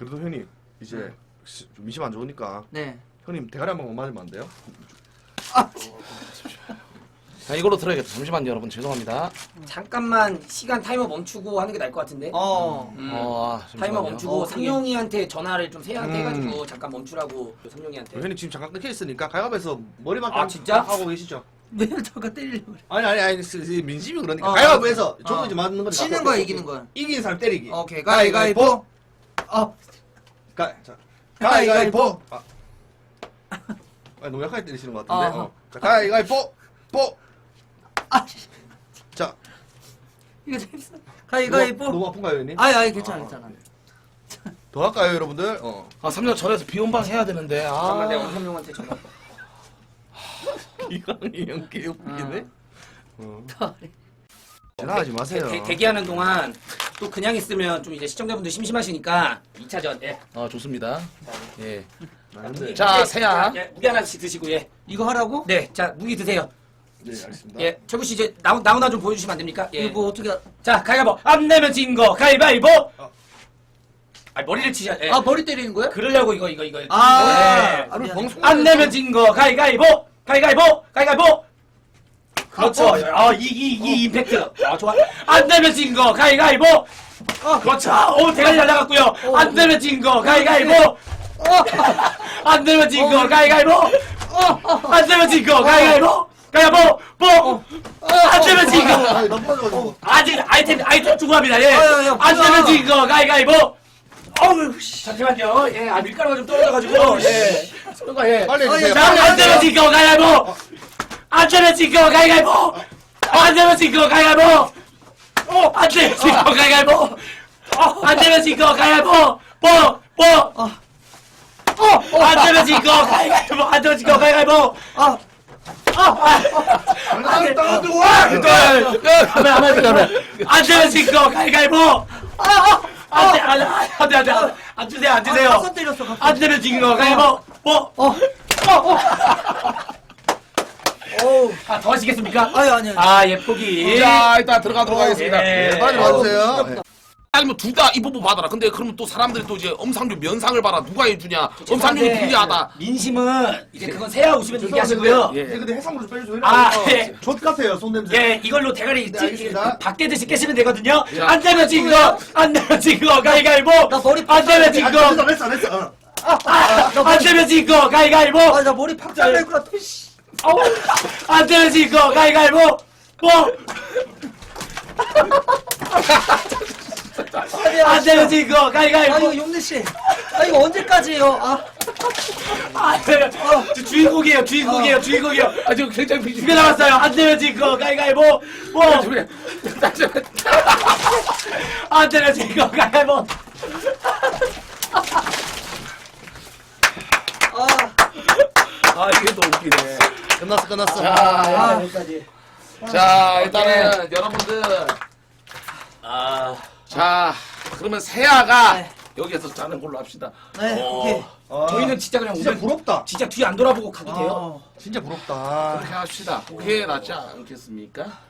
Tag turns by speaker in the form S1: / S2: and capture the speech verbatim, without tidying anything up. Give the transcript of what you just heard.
S1: 그래도 형님 이제
S2: 네.
S1: 시- 좀 미심 안 좋으니까
S2: 네.
S1: 형님 대가리 한 번만 맞으면 안 돼요?
S2: 아,
S3: 자, 이걸로 들어야겠다. 잠시만요, 여러분. 죄송합니다.
S4: 잠깐만 시간 타이머 멈추고 하는 게 나을 것 같은데.
S2: 어.
S4: 음.
S3: 어, 아,
S4: 타이머
S3: 잠시만요.
S4: 멈추고
S2: 어,
S4: 상용이한테 전화를 좀 세한테
S1: 음.
S4: 해가지고 잠깐 멈추라고 상용이한테.
S1: 형님 지금 잠깐 끊겨 있으니까 가위바위보에서 머리만
S4: 아, 진짜?
S1: 하고 계시죠?
S2: 왜 저거 때리려고 그래?
S1: 아니 아니 아니 스- 스- 민심이 그러니까
S2: 어.
S1: 가위바위보에서
S2: 어.
S1: 조금 이제 맞는 거니까
S2: 치는 거야, 이기는 거야?
S1: 이기는 사람 때리기.
S2: 오케이, 가위가위보. 어.
S1: 가, 자, 가위가위보. 아, 아 너무 약하게 때리시는 것 같은데.
S2: 어.
S1: 어. 자, 가위가위보. 보.
S2: 아, 씨.
S1: 자,
S2: 이거 재밌어. 가위가위보.
S1: 너무, 너무 아픈가요, 형님?
S2: 아니, 아니, 괜찮아, 괜찮아.
S1: 더 할까요, 여러분들? 어.
S3: 아, 삼 년 전에서 비혼방 해야 되는데.
S4: 잠깐만
S3: 아,
S4: 내가 우리 상용한테 전화.
S1: 이강이 형 개웃기네.
S2: 어.
S1: 지나가지 마세요.
S4: 대, 대기하는 동안 또 그냥 있으면 좀 이제 시청자분들 심심하시니까 이 차전. 예.
S3: 아, 좋습니다. 예.
S1: 아, 근데-
S3: 자,
S4: 예,
S3: 세야.
S4: 예, 무기 하나씩 드시고 예.
S2: 이거 하라고?
S4: 네, 자 무기 드세요.
S1: 네, 알겠습니다.
S4: 예, 최구 씨 이제 나오 나오나 좀 보여주시면 안 됩니까? 예.
S2: 이거 뭐 어떻게. 하-
S4: 자, 가위바위보. 안 내면 진 거. 가위바위보. 아, 머리를 치셔. 예.
S2: 아, 머리 때리는 거야?
S4: 그러려고 이거 이거 이거.
S2: 아,
S4: 예.
S1: 아, 우리
S2: 미안해.
S1: 방송
S4: 안 내면 진 거. 가위바위보. 가위바위보. 가위바위보. 그렇죠.
S2: 어.
S4: 아, 이, 이, 이 임팩트. 아, 좋아. 안 내면 진 거. 가위바위보. 어, 그렇죠. 오, 대가리 날라갔고요. 안 내면 진 거. 가위바위보. 안 내면 진 거. 가위바위보. 안 내면 진 거. 가위바위보. 가위바위보. 뽀. 안 내면 진 거.
S1: 아, 너무 빠져가지고.
S4: 아직 아이템 아이템 중요합니다. 예.
S2: 아, 야, 야,
S4: 안
S2: 뭐야.
S4: 내면 진 거. 가위바위보. 어우, 씨. 잠시만요. 예, 아 밀가루가 좀 떨어져가지고. 예. 손가 예.
S1: 빨리
S2: 아,
S1: 해주세요.
S2: 야,
S4: 자,
S1: 빨리
S4: 안
S1: 해주세요.
S4: 되면 진 거. 가위바위보. 안 되면 진 거. 가위바위보. 안 되면 진 거. 가위바위보. 어, 안 되면 진 거. 가위바위보. 어, 안 되면 진 거. 가위바위보. 뽀. 뽀.
S2: 어.
S4: 어, 안 되면 진 거. 가위바위보. 안 되면 진 거. 가위바위보.
S2: 아,
S1: 안 떠들어와!
S4: 하면 하면 하면 안 되면 진 거. 가위바위보. 안 돼, 안 돼, 안 돼, 안 돼. 안 주세요, 안 주세요.
S2: 가서 때렸어, 가서.
S4: 안 되면 진 거. 가위바위보. 뭐?
S2: 어.
S4: 어. 아, 더 하시겠습니까?
S2: 아니, 아니, 아니.
S4: 아, 예, 포기.
S3: 자, 일단 들어가도록 하겠습니다.
S4: 예.
S1: 네, 빨리 와주세요. 네.
S3: 아니면 둘 다 이 부분 받아라. 근데 그러면 또 사람들이 또 이제 엄상규 면상을 봐라. 누가 해주냐. 엄상규는
S4: 죄송한데,
S3: 불리하다.
S4: 민심은 이제 그건 세야 오시면 얘기하시고요.
S3: 예.
S1: 예. 근데 해산물 좀 빼주세요.
S4: 아, 예.
S1: 젖 같아요, 손 냄새.
S4: 예, 이걸로 대가리
S1: 네,
S4: 찌,
S1: 알겠습니다.
S4: 밖에 드시 깨시면 되거든요.
S3: 야.
S4: 안 되면 진 거, 안 되면 진 거, 가위가위보.
S2: 나 머리
S4: 안 되면 진
S1: 아,
S4: 거,
S1: 됐어, 됐어, 됐어. 어.
S4: 안 되면 진 거, 가위가위보.
S2: 아, 나 머리 팍 잘릴 것 같아, 씨.
S4: 어우, 안 되면 진 거, 가위가위보. 뭐? 안 되면 진 거,
S2: 아,
S4: 가위가위보.
S2: 이거 용래 씨. 아, 이거 언제까지예요? 아,
S4: 안 되면, 저 주인공이에요, 주인공이에요, 주인공이에요.
S3: 아, 지금 굉장히 비중.
S4: 두개 남았어요. 안 되면 진 거, 가위가위보. 뭐? 안 되면 진 거, 가위바위보.
S2: 아,
S3: 아, 이게 또 웃기네.
S1: 끝났어, 끝났어.
S3: 자,
S4: 아, 여기까지.
S3: 자, 일단은 여러분들.
S4: 아,
S3: 자, 그러면 세아가
S2: 네.
S3: 여기에서 자는 걸로 합시다.
S2: 네,
S3: 어,
S2: 오케이.
S1: 아,
S4: 저희는 진짜 그냥
S1: 진짜
S4: 오늘
S1: 부럽다.
S4: 진짜 뒤 안 돌아보고 가도 돼요?
S2: 아,
S1: 진짜 부럽다.
S3: 그렇게 합시다. 그게 낫지 않겠습니까?